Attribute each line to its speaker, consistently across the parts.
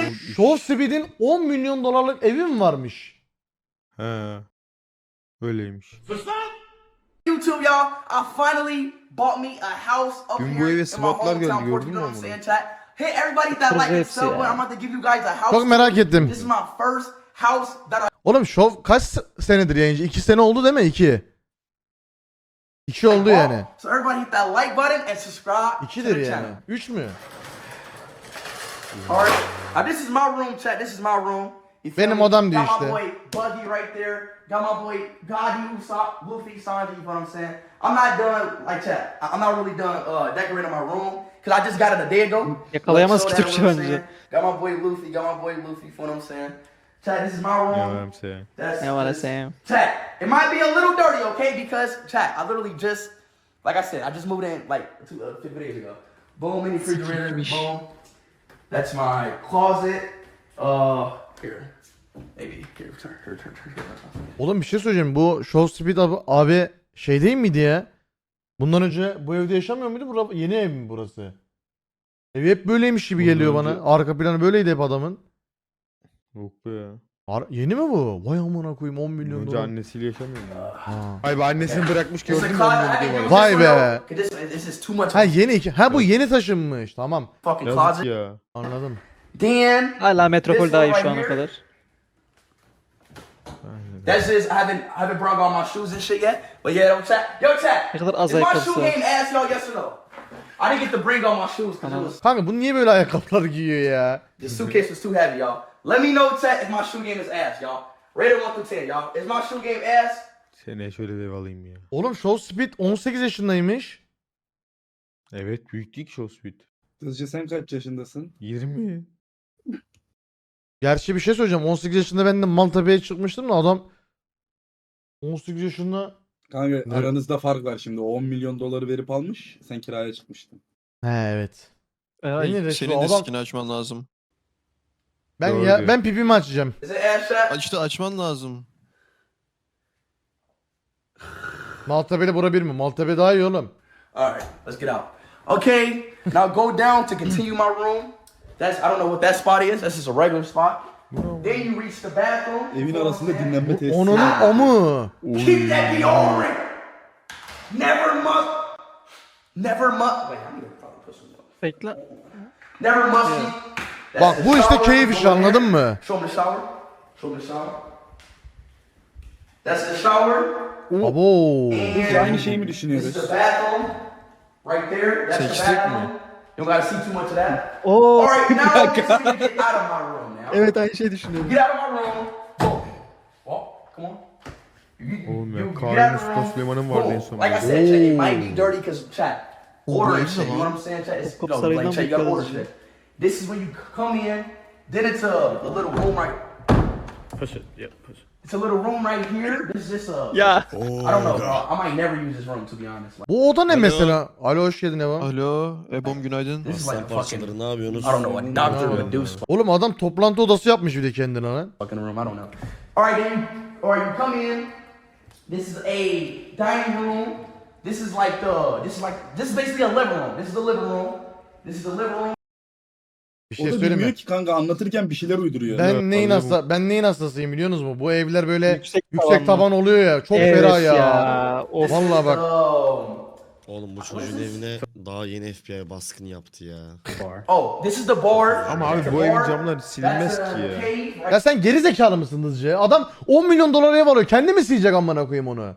Speaker 1: Show Speed'in 10 milyon dolarlık evi mi varmış?
Speaker 2: He. Öyleymiş.
Speaker 3: YouTube, y'all, I finally bought me a house up
Speaker 2: Dün bu
Speaker 3: here
Speaker 2: eve
Speaker 3: in my
Speaker 2: SWAT'lar geldi,
Speaker 3: hometown.
Speaker 2: gördün
Speaker 3: You
Speaker 2: mü
Speaker 3: know what I'm
Speaker 2: onu?
Speaker 3: saying, chat? Hit everybody that like and sub. I'm about to give you guys a house.
Speaker 1: Çok merak ettim.
Speaker 3: This is my first house that I
Speaker 1: Oğlum Show kaç senedir yayıncı? 2 sene oldu değil mi? 2. 2 oldu
Speaker 3: bought.
Speaker 1: yani.
Speaker 3: So everybody hit that like button and subscribe to
Speaker 1: 2'dir
Speaker 3: the
Speaker 1: yani.
Speaker 3: channel.
Speaker 1: 3 mü?
Speaker 3: Alright. This is my room, chat. This is my room. You feel
Speaker 1: Benim
Speaker 3: me?
Speaker 1: odam diyor
Speaker 3: Got
Speaker 1: işte.
Speaker 3: my boy Buggy right there. Got my boy Gotti, Luffy, Sanji, you know what I'm saying? I'm not done, like chat. I'm not really done decorating my room. Cause I just got it a day ago.
Speaker 4: Yakalayamaz
Speaker 3: Like,
Speaker 4: ki
Speaker 3: so
Speaker 4: Türkçe
Speaker 3: that, you know
Speaker 4: bence.
Speaker 3: what I'm saying? Got my boy Luffy, you know what I'm saying? Chat, this is my room.
Speaker 2: Ne var I'm saying?
Speaker 3: That's,
Speaker 4: Ne var
Speaker 3: that's-
Speaker 4: saying?
Speaker 3: Chat, it might be a little dirty, okay? Because chat, I literally just, like I said, I just moved in like 2 days ago. Boom, mini refrigerator, boom. That's my closet. Here, maybe here, turn.
Speaker 1: Oğlum bir şey söyleyeceğim. Bu Show Speed abi şey değil miydi ya? Bundan önce bu evde yaşamıyor muydu? Yeni ev mi burası? Evi hep böyleymiş gibi
Speaker 2: Bundan
Speaker 1: geliyor
Speaker 2: önce-
Speaker 1: bana. Arka planı böyleydi hep adamın.
Speaker 2: Yok be ya.
Speaker 1: Yeni mi bu? Vay amına koyayım 10 milyon
Speaker 2: Önce
Speaker 1: dolar.
Speaker 2: annesiyle yaşamıyor mu?
Speaker 1: Ha.
Speaker 2: Ay be annesini bırakmış
Speaker 3: It's a
Speaker 2: gördün mü
Speaker 3: closet.
Speaker 2: onu
Speaker 3: I didn't
Speaker 2: diyor
Speaker 3: use
Speaker 2: bana.
Speaker 1: Vay
Speaker 3: this one,
Speaker 1: be.
Speaker 3: though, 'cause this is too much.
Speaker 1: Ha yeni. Ha bu yeni taşınmış. Tamam.
Speaker 3: Fucking
Speaker 2: Yazık
Speaker 3: closet.
Speaker 2: ya.
Speaker 1: Anladım.
Speaker 3: Then
Speaker 4: Hala metropol
Speaker 3: This
Speaker 4: daha iyi
Speaker 3: one
Speaker 4: şu
Speaker 3: right
Speaker 4: ana
Speaker 3: here.
Speaker 4: kadar.
Speaker 3: that's just I haven't brought all my shoes and shit yet. But yeah, yo chat.
Speaker 4: Ne kadar az
Speaker 3: Is my
Speaker 4: ayakkabısı
Speaker 3: shoe
Speaker 4: var.
Speaker 3: game ass, y'all? Yes or no? I didn't get to bring all my shoes because it was
Speaker 1: Kanka bu niye böyle ayakkabılar giyiyor ya?
Speaker 3: the suitcase was too heavy, y'all. Let me know, chat, if my shoe game is ass, y'all. Rate it 1 through 10, y'all. Is my shoe game ass?
Speaker 2: Seneye şöyle bir ev alayım ya.
Speaker 1: Oğlum Show Speed 18 yaşındaymış.
Speaker 2: Evet büyük değil ki Show Speed.
Speaker 5: Hızcı sen kaç yaşındasın?
Speaker 2: 20.
Speaker 1: Gerçi bir şey söyleyeceğim. 18 yaşında ben de Maltepe'ye çıkmıştım da adam 18 yaşında.
Speaker 5: Kanka
Speaker 1: Ne?
Speaker 5: aranızda fark var şimdi. O 10 milyon doları verip almış. Sen kiraya çıkmıştın.
Speaker 1: He evet.
Speaker 4: Ay,
Speaker 1: Yine de
Speaker 6: Senin
Speaker 1: şu
Speaker 6: de
Speaker 1: adam
Speaker 6: skin açman lazım.
Speaker 1: ben
Speaker 2: Doğru
Speaker 1: ya
Speaker 2: diyor.
Speaker 1: ben pipimi açacağım.
Speaker 3: Is it ass, chat?
Speaker 6: İşte açman lazım.
Speaker 1: Maltepe'yle bura bir mi? Maltepe daha iyi oğlum.
Speaker 3: Alright, let's get out. Okay, now go down to continue my room. I don't know what that spot is. That's just a regular spot. Then you reach the bathroom.
Speaker 5: Evin arasında dinlenme tesisi.
Speaker 1: Onun amı.
Speaker 3: Keep that deodorant. Never must. Wait, I need to probably put some.
Speaker 4: Bekle.
Speaker 3: Never musty. That's
Speaker 1: Bak
Speaker 3: the
Speaker 1: bu işte
Speaker 3: shower.
Speaker 1: keyif işi,
Speaker 3: Go in
Speaker 1: anladın
Speaker 3: there.
Speaker 1: mı?
Speaker 3: Show me the shower. Show me the shower. That's the shower.
Speaker 1: Abo.
Speaker 5: Biz aynı şeyi mi
Speaker 3: This is
Speaker 5: düşünüyoruz?
Speaker 3: the bathroom. Right there. That's the
Speaker 6: Seçtik mi?
Speaker 3: bathroom. You don't gotta see too much of that.
Speaker 4: Oo.
Speaker 3: Alright, now we just need to get out of my room now.
Speaker 4: Evet aynı şey düşünüyorum.
Speaker 3: Get out of my room. Boom. Walk. Come on.
Speaker 2: Oğlum ya,
Speaker 3: get
Speaker 2: Kaan
Speaker 3: out of the
Speaker 2: Mustafa
Speaker 3: room.
Speaker 2: Süleyman'ın vardı
Speaker 3: Boom.
Speaker 2: en sonunda.
Speaker 3: Like I said, chat, it might be dirty because chat. Order and
Speaker 6: bu
Speaker 3: shit. You
Speaker 6: evde
Speaker 3: know
Speaker 6: lan.
Speaker 3: what I'm saying, chat? It's, you
Speaker 4: Top
Speaker 3: know,
Speaker 4: sarayından
Speaker 3: like, chat, you gotta order
Speaker 4: bakıyoruz
Speaker 3: shit. This is when you come in. Then it's a little room right.
Speaker 7: Push it. Yeah, push it.
Speaker 3: It's a little room right here. This is just a.
Speaker 4: Ya.
Speaker 3: I don't know. I might never use this room to be honest. Like,
Speaker 1: Bu oda ne mesela? Alo hoş geldin Eva.
Speaker 6: Alo, Ebom günaydın.
Speaker 3: this is like a fucking.
Speaker 7: Parçaları ne yapıyorsunuz?
Speaker 3: I don't know. A doctor would do
Speaker 1: Oğlum adam toplantı odası yapmış bir de kendine lan.
Speaker 3: fucking room. I don't know. All right, then. All right, you come in. This is a dining room. This is basically a living room. This is the living room. This is the living room.
Speaker 1: Bir
Speaker 5: O
Speaker 1: şey
Speaker 5: da
Speaker 1: söyleyeyim
Speaker 5: bilmiyor
Speaker 1: mi?
Speaker 5: ki kanka anlatırken bir şeyler uyduruyor.
Speaker 1: Ben neyin hastasıyım biliyorsunuz mu? Bu evler böyle yüksek,
Speaker 4: Yüksek
Speaker 1: taban oluyor ya. Çok
Speaker 4: Evet
Speaker 1: ferah ya.
Speaker 4: ya. Of.
Speaker 3: This
Speaker 1: Vallahi
Speaker 3: is,
Speaker 1: bak.
Speaker 7: Oğlum bu çocuğun evine daha yeni FBI baskını yaptı ya.
Speaker 3: this is the bar.
Speaker 2: Ama abi
Speaker 3: That's
Speaker 2: bu
Speaker 3: the
Speaker 2: evin
Speaker 3: bar.
Speaker 2: camları silinmez
Speaker 3: That's a
Speaker 2: ki ya.
Speaker 3: cave right
Speaker 1: Ya sen geri zekalı mısın hızlıca? Adam 10 milyon dolara ev alıyor. Kendi mi silecek amına koyayım onu?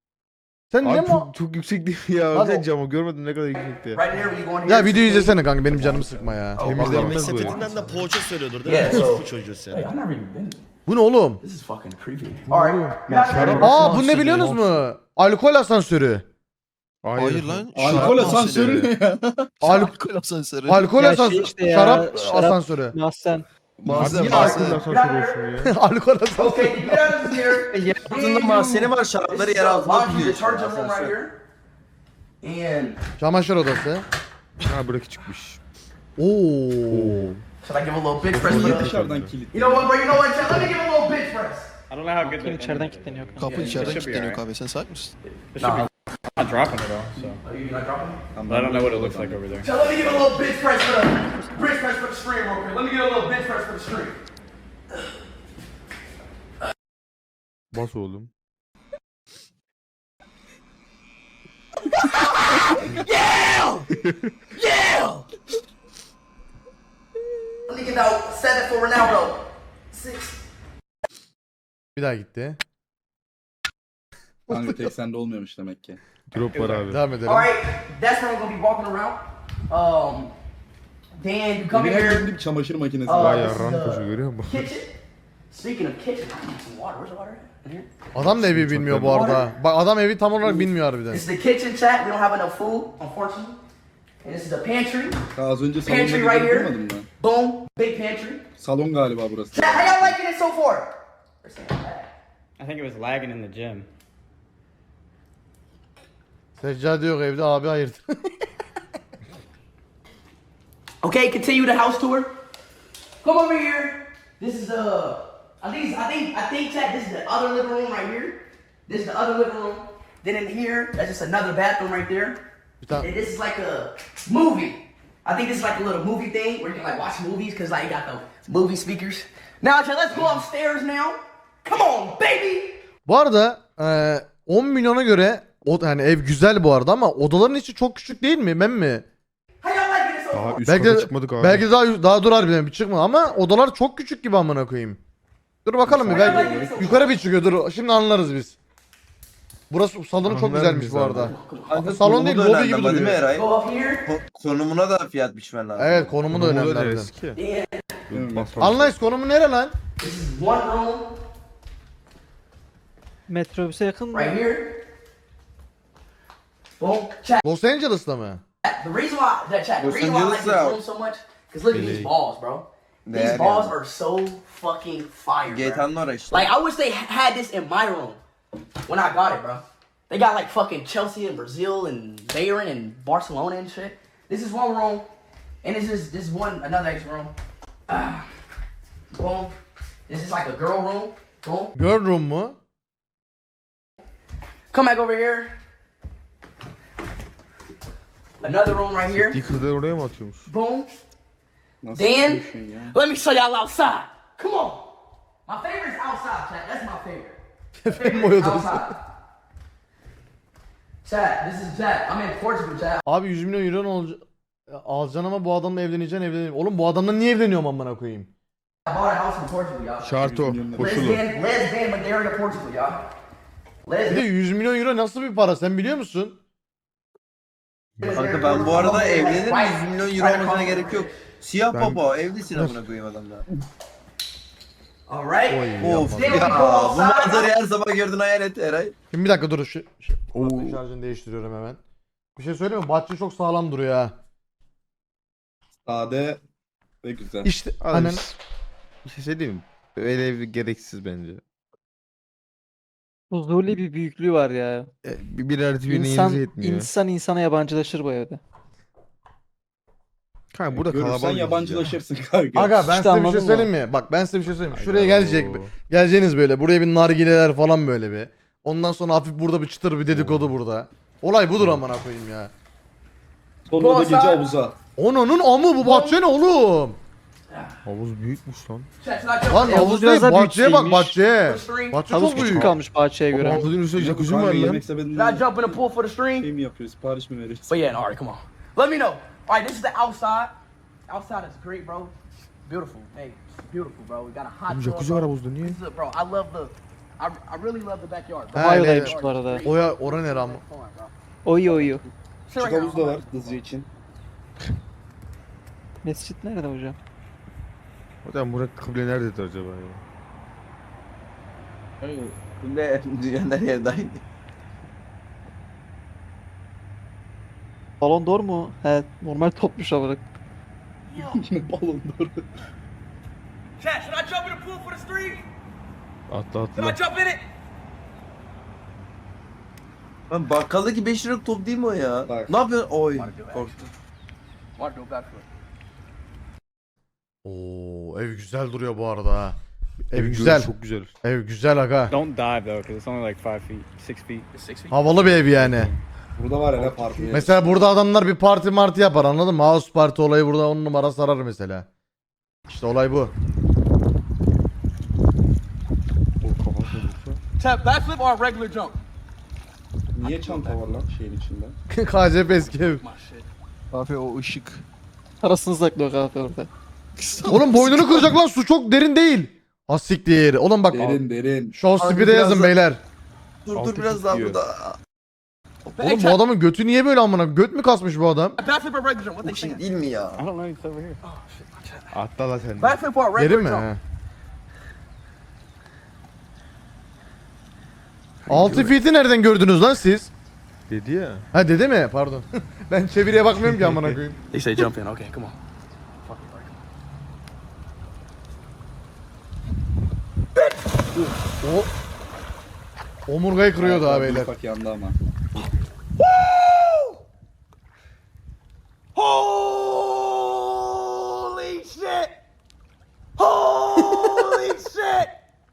Speaker 1: Sen ne
Speaker 2: Abi
Speaker 1: mi?
Speaker 2: çok yüksek değil mi ya?
Speaker 1: Lan
Speaker 2: Sen
Speaker 1: o-
Speaker 2: camı görmedin ne kadar yüksekti.
Speaker 3: right here where you go in here.
Speaker 1: Ya videoyu izlesene kanka, benim canımı sıkma ya.
Speaker 2: Temizlenmez bu ev.
Speaker 7: Sepetinden de poğaça söylüyordur değil
Speaker 3: Yeah,
Speaker 7: mi?
Speaker 3: so-
Speaker 7: Bu çocuğu sen.
Speaker 3: Hey, I've never even been.
Speaker 1: Bu ne oğlum?
Speaker 3: This is fucking creepy. All right.
Speaker 2: Şarap-
Speaker 1: Aa bu ne biliyorsunuz mu? Alkol asansörü.
Speaker 6: Hayır lan.
Speaker 5: Alkol
Speaker 6: şarap
Speaker 5: asansörü ne ya?
Speaker 6: Alkol asansörü.
Speaker 1: Alkol
Speaker 4: Ya
Speaker 1: asansörü.
Speaker 4: şey işte ya,
Speaker 1: şarap
Speaker 4: şarap-
Speaker 1: asansörü.
Speaker 4: Mahsen.
Speaker 6: Malzeme,
Speaker 2: Niye alkol
Speaker 6: malzeme.
Speaker 2: asansörü olsun ya?
Speaker 1: Alkol asansörü.
Speaker 3: Okay, you get out of here.
Speaker 4: Yer
Speaker 3: altında
Speaker 8: mahzeni var,
Speaker 3: This
Speaker 8: şarapları
Speaker 3: is
Speaker 8: yer
Speaker 3: the
Speaker 8: altına
Speaker 3: laundry
Speaker 8: koyuyor işte,
Speaker 3: detergent room right
Speaker 8: asansör.
Speaker 3: here. And
Speaker 1: Çamaşır odası.
Speaker 2: Ha bırak çıkmış.
Speaker 1: Oo.
Speaker 3: should I give a little bitch press?
Speaker 5: Niye
Speaker 3: for the-
Speaker 5: dışarıdan kilit?
Speaker 3: You know what, bro? You know what? Chat? Let me give a little bitch press.
Speaker 7: I don't know how good
Speaker 4: Kim içeriden kilitleniyor.
Speaker 6: Kapı içeriden
Speaker 7: should be
Speaker 6: kilitleniyor
Speaker 7: alright.
Speaker 6: abi. Sen sahip misin?
Speaker 7: It should be
Speaker 8: Not dropping it all, so
Speaker 3: Oh, you're not dropping?
Speaker 8: but I don't know what it looks like over there.
Speaker 3: So let me get a little bench press for the stream real quick. Let me get a little bench press for the stream.
Speaker 2: Bas oğlum.
Speaker 3: Yeah! Yeah! Let me get out 7 for Ronaldo. 6.
Speaker 1: Bir daha gitti.
Speaker 5: Kanka tek sende olmuyormuş demek ki.
Speaker 2: Drop var abi.
Speaker 1: Devam edelim.
Speaker 3: Alright, that's where I'm gonna be walking around. Dan, you come
Speaker 5: Evin
Speaker 3: in
Speaker 5: her
Speaker 3: here.
Speaker 5: yerinde bir çamaşır makinesi
Speaker 3: Aa,
Speaker 5: var.
Speaker 2: Bayağı
Speaker 3: this is
Speaker 2: ram
Speaker 3: the
Speaker 2: koşu görüyor musun?
Speaker 3: Kitchen. Speaking of kitchen, I need some water. Where's the water at? In here?
Speaker 1: Adam da evi bilmiyor bu arada. Bak adam evi tam olarak bilmiyor harbiden.
Speaker 3: This is the kitchen, chat. We don't have enough food, unfortunately. And this is the pantry.
Speaker 5: Ha, az önce salonda
Speaker 3: Pantry right
Speaker 5: gidelim
Speaker 3: here.
Speaker 5: durmadın mı?
Speaker 3: Boom, big pantry.
Speaker 5: Salon galiba burası.
Speaker 3: Chat, how y'all liking it so far?
Speaker 8: I think it was lagging in the gym.
Speaker 1: Seccade yok evde abi hayırdır.
Speaker 3: Okay, continue the house tour. Come over here. This is the. I think, chat. This is the other living room right here. This is the other living room. Then in here, that's just another bathroom right there.
Speaker 1: Bir tane.
Speaker 3: And this is like a movie. I think this is like a little movie thing where you can like watch movies because like you got the movie speakers. Now, chat, let's go upstairs now. Come on, baby.
Speaker 1: Bu arada 10 milyona göre yani ev güzel bu arada ama odaların içi çok küçük değil mi? Ben mi?
Speaker 3: How y'all liking it so
Speaker 2: Daha
Speaker 3: far?
Speaker 2: üst
Speaker 1: Belki
Speaker 2: kata
Speaker 1: de,
Speaker 2: çıkmadık abi.
Speaker 1: belki de daha dur harbiden bir çıkma ama odalar çok küçük gibi amına koyayım. Dur bakalım bir belki yukarı bir çıkıyor dur şimdi anlarız biz. Burası salonu çok
Speaker 2: Anlarız
Speaker 1: güzelmiş
Speaker 2: biz
Speaker 1: bu
Speaker 2: abi.
Speaker 1: arada.
Speaker 9: Kanka,
Speaker 1: Salon değil,
Speaker 9: konumu da
Speaker 1: lobi gibi
Speaker 9: önemli ama değil mi
Speaker 1: duruyor.
Speaker 9: Eray?
Speaker 3: Go up here.
Speaker 9: Konumuna da fiyat biçmen lazım.
Speaker 1: Evet konumu da
Speaker 2: Konumu
Speaker 1: önemli
Speaker 2: da
Speaker 1: harbiden.
Speaker 2: eski.
Speaker 3: Yeah.
Speaker 2: Bas bas.
Speaker 1: Anlayız konumu nere lan?
Speaker 3: This is one room
Speaker 4: Metrobüse yakın mı?
Speaker 3: right here. Boom. Chat.
Speaker 1: Los Angeles'ta mı?
Speaker 3: The reason why that chat. The
Speaker 9: Los
Speaker 3: reason why I like
Speaker 9: Angeles
Speaker 3: this
Speaker 9: out.
Speaker 3: room so much, cause look at these balls, bro. These
Speaker 9: Değer
Speaker 3: balls
Speaker 9: yani.
Speaker 3: are so fucking fire, bro.
Speaker 9: GTA'nın orası işte.
Speaker 3: Like I wish they had this in my room when I got it, bro. They got like fucking Chelsea and Brazil and Bayern and Barcelona and shit. This is one room, and this is another extra room. Boom. This is like a girl room. Boom.
Speaker 1: Girl room mu?
Speaker 3: Come back over here. Another room right here.
Speaker 2: İlk kızları oraya mı atıyormuş?
Speaker 3: Boom.
Speaker 5: Nasıl
Speaker 3: Dan,
Speaker 5: yapıyorsun ya?
Speaker 3: let me show y'all outside. Come on. My favorite is outside, chat. That's my favorite.
Speaker 1: Efendim
Speaker 3: Favorite is
Speaker 1: oyadası.
Speaker 3: outside. Chat, this is chat. I'm in Portugal, chat.
Speaker 1: Abi 100 milyon euro alacaksın ama bu adamla evleneceksin. Oğlum bu adamla niye evleniyorum amına koyayım?
Speaker 3: I bought a house in Portugal, y'all.
Speaker 2: Şart o. Koşulu.
Speaker 3: Lesbian Madeira, Portugal, y'all.
Speaker 1: Bir de
Speaker 3: Lesbian.
Speaker 1: 100 milyon euro nasıl bir para sen biliyor musun?
Speaker 9: Kanka ben bu arada evlenirim 100 milyon euro olmasına gerek yok. Siyah baba evlisin amına koyayım adamla.
Speaker 3: Alright.
Speaker 9: Of
Speaker 3: Then
Speaker 9: ya
Speaker 3: we go
Speaker 9: bu
Speaker 3: outside.
Speaker 9: manzarayı her sabah gördün hayal et Eray.
Speaker 1: Şimdi bir dakika dur şu şarjını değiştiriyorum hemen. Bir şey söyleyeyim mi? Bahçe çok sağlam duruyor ha.
Speaker 5: Sade ve güzel.
Speaker 1: İşte
Speaker 2: Abi,
Speaker 1: annen
Speaker 2: Bir şey söyleyeyim mi? Öyle ev gereksiz bence.
Speaker 4: Huzurlu bir büyüklüğü var ya.
Speaker 2: Bir artı birine
Speaker 4: İnsan,
Speaker 2: yenize yetmiyor.
Speaker 4: insan insana yabancılaşır bu evde.
Speaker 2: Kanka burada
Speaker 5: Görürsen
Speaker 2: kalabalık
Speaker 5: yabancılaşırsın kanka.
Speaker 1: Aga ben
Speaker 4: İşte
Speaker 1: size bir
Speaker 4: anladın
Speaker 1: şey
Speaker 4: mı?
Speaker 1: söyleyeyim mi? Bak ben size bir şey söyleyeyim mi? Şuraya
Speaker 2: Hayda.
Speaker 1: gelecek. Geleceğiniz böyle. Buraya bir nargileler falan böyle bir. Ondan sonra hafif burada bir çıtır bir dedikodu burada. Olay budur amına koyayım ya.
Speaker 5: Sonra da gece havuza.
Speaker 1: Onunun amı bu bahçe ne oğlum?
Speaker 2: Havuz büyükmüş lan.
Speaker 3: Chat, should I jump
Speaker 1: Lan
Speaker 3: in?
Speaker 1: havuz
Speaker 4: biraz
Speaker 1: değil
Speaker 4: daha
Speaker 1: bahçeye bak
Speaker 4: büyük
Speaker 1: bahçeye.
Speaker 3: For the stream?
Speaker 1: Bahçe
Speaker 4: Havuz
Speaker 1: çok
Speaker 4: küçük
Speaker 1: büyük.
Speaker 4: kalmış bahçeye göre.
Speaker 2: Havuzun üstüne jacuzzi mi
Speaker 5: Kanka
Speaker 2: var lan?
Speaker 5: yemek
Speaker 3: Should I
Speaker 5: sepetinden
Speaker 3: jump in the pool for the stream?
Speaker 5: şey mi yapıyoruz? Sipariş mi veriyoruz?
Speaker 3: But yeah, alright, come on. Let me know. Alright, this is the outside. Outside is great, bro. Beautiful. Hey, it's beautiful, bro. We got a hot
Speaker 2: Oğlum
Speaker 3: tub,
Speaker 2: jacuzzi var
Speaker 3: bro.
Speaker 2: havuzda niye?
Speaker 3: This is, bro, I love the. I really love the backyard. Bro.
Speaker 1: Ha,
Speaker 4: Bayodaymış
Speaker 1: evet.
Speaker 4: bu arada.
Speaker 1: Oya ora nere ama?
Speaker 3: Come on, bro.
Speaker 4: Oyu oyu.
Speaker 3: Sit
Speaker 5: Küçük
Speaker 3: right here.
Speaker 5: havuz da var hızlı için.
Speaker 4: Mescit nerede hocam?
Speaker 2: Hocam Burak kıble nerededir acaba ya?
Speaker 9: Ne dünyanın her yeri dahil.
Speaker 4: Balon d'Or mu? He, normal topmuş olarak.
Speaker 5: Balon doğru.
Speaker 3: Chat, should I jump in the pool for the stream?
Speaker 2: Atla
Speaker 3: Should I
Speaker 2: atla.
Speaker 3: jump in it?
Speaker 9: Lan bakkaldaki 5 liralık top değil mi o ya?
Speaker 5: Bak.
Speaker 9: Ne yapıyorsun? Oy korktum.
Speaker 3: Want to do backflip?
Speaker 1: Oo ev güzel duruyor bu arada ha. Ev
Speaker 2: Evin
Speaker 1: güzel.
Speaker 2: görünüşü Çok güzel.
Speaker 1: Ev güzel aga.
Speaker 8: Don't dive though, because it's only like 5 feet, 6 feet.
Speaker 3: It's 6 feet.
Speaker 1: Havalı bir ev yani.
Speaker 5: Burada var ya ne parti.
Speaker 1: Mesela burada adamlar bir parti martı yapar, anladın mı? House parti olayı burada 10 numara sarar mesela. İşte olay bu.
Speaker 3: Chat, backflip or regular jump?
Speaker 5: Niye çanta var lan şeyin içinde?
Speaker 1: KCP eski ev.
Speaker 3: My shit.
Speaker 6: Abi o ışık.
Speaker 4: Parasını saklıyor kahve orada.
Speaker 1: Oğlum boynunu kıracak lan, su çok derin değil. Asiktir. Oğlum bak.
Speaker 5: Derin.
Speaker 1: Show
Speaker 9: Abi
Speaker 1: Speed'e
Speaker 9: biraz
Speaker 1: yazın
Speaker 9: da-
Speaker 1: beyler.
Speaker 9: Dur biraz daha burada.
Speaker 1: Oğlum bu adamın götü niye böyle amına? Göt mü kasmış bu adam?
Speaker 3: Backflip or regular jump? What
Speaker 9: Bu
Speaker 3: they
Speaker 9: şey
Speaker 3: saying?
Speaker 9: değil mi ya?
Speaker 8: I don't know, it's over here.
Speaker 2: Atla la sen.
Speaker 3: Backflip or
Speaker 1: Derin
Speaker 3: regular
Speaker 1: mi?
Speaker 3: jump?
Speaker 1: He. 6 feet'i nereden gördünüz lan siz?
Speaker 2: Dedi ya.
Speaker 1: Ha dede mi? Pardon. Ben çeviriye bakmıyorum ki amına koyayım.
Speaker 3: They say jump in. Okay, come on.
Speaker 1: O omurgayı kırıyordu ha beyler.
Speaker 5: Bak yandı ama.
Speaker 3: Holy shit! Holy shit!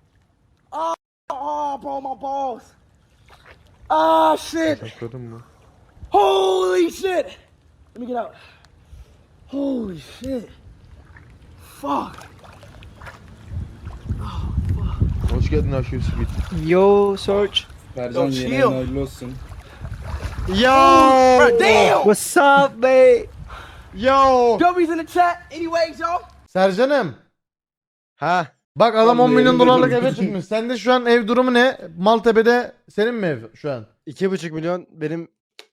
Speaker 3: Oh, bro, my balls. Ah, shit.
Speaker 2: Sakladın mı?
Speaker 3: Holy shit. Let me get out. Holy shit. Fuck.
Speaker 2: Hoş geldin Aşıyor Smith.
Speaker 4: Yo Search.
Speaker 5: Sercan
Speaker 3: Yo,
Speaker 5: yeni
Speaker 3: chill.
Speaker 5: yayın hayırlı olsun.
Speaker 3: Bro, damn!
Speaker 4: What's up babe?
Speaker 1: Yo!
Speaker 3: W's in the chat. Anyways, y'all.
Speaker 1: Sercan'ım.
Speaker 2: Ha.
Speaker 1: Bak adam 10
Speaker 5: Vallahi
Speaker 1: milyon
Speaker 5: elimde
Speaker 1: dolarlık
Speaker 5: durdu.
Speaker 1: eve çıkmış. Sende şu an ev durumu ne? Maltepe'de senin mi ev şu an?
Speaker 2: 2,5 milyon benim.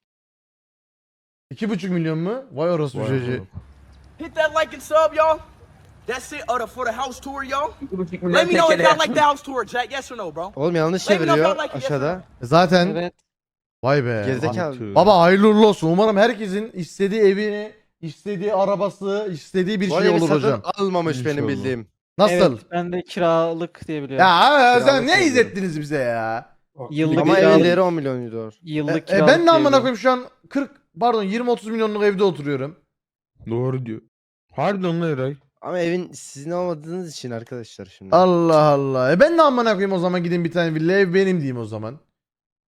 Speaker 1: 2,5 milyon mu? Vay orası bu çocuğu.
Speaker 3: Hit that like and sub, y'all. That's it for the house tour, y'all. Let me know if y'all like the house tour, Jack. Yes or no, bro?
Speaker 2: Oğlum yanlış
Speaker 3: Let me know if y'all
Speaker 2: çeviriyor
Speaker 3: like it, yes or
Speaker 2: aşağıda.
Speaker 3: no.
Speaker 1: Zaten
Speaker 4: Evet.
Speaker 1: vay be.
Speaker 2: Gerizekalı.
Speaker 1: Baba hayırlı uğurlu olsun. Umarım herkesin istediği evini, istediği arabası, istediği bir
Speaker 2: Bu
Speaker 1: şey
Speaker 2: evi
Speaker 1: olur
Speaker 2: satın
Speaker 1: hocam.
Speaker 2: almamış benim
Speaker 5: İnşallah.
Speaker 2: bildiğim.
Speaker 1: Nasıl?
Speaker 4: Evet, ben de kiralık diye biliyorum.
Speaker 1: Ya sen
Speaker 2: Kiralık
Speaker 1: ne
Speaker 2: diyorum.
Speaker 1: izlettiniz bize ya?
Speaker 4: Yıllık
Speaker 2: Ama
Speaker 4: kiralık.
Speaker 2: evleri 10 milyon euro.
Speaker 4: Yıllık kiralık
Speaker 1: Ben de
Speaker 4: diye
Speaker 1: amına
Speaker 4: biliyorum.
Speaker 1: koyayım şu an 20-30 milyonluk evde oturuyorum.
Speaker 2: Doğru diyor. Harbiden lan Eray. Ama evin sizin olmadığınız için arkadaşlar şimdi.
Speaker 1: Allah Allah. Ben de amına koyayım o zaman gideyim bir tane villa, ev benim diyeyim o zaman.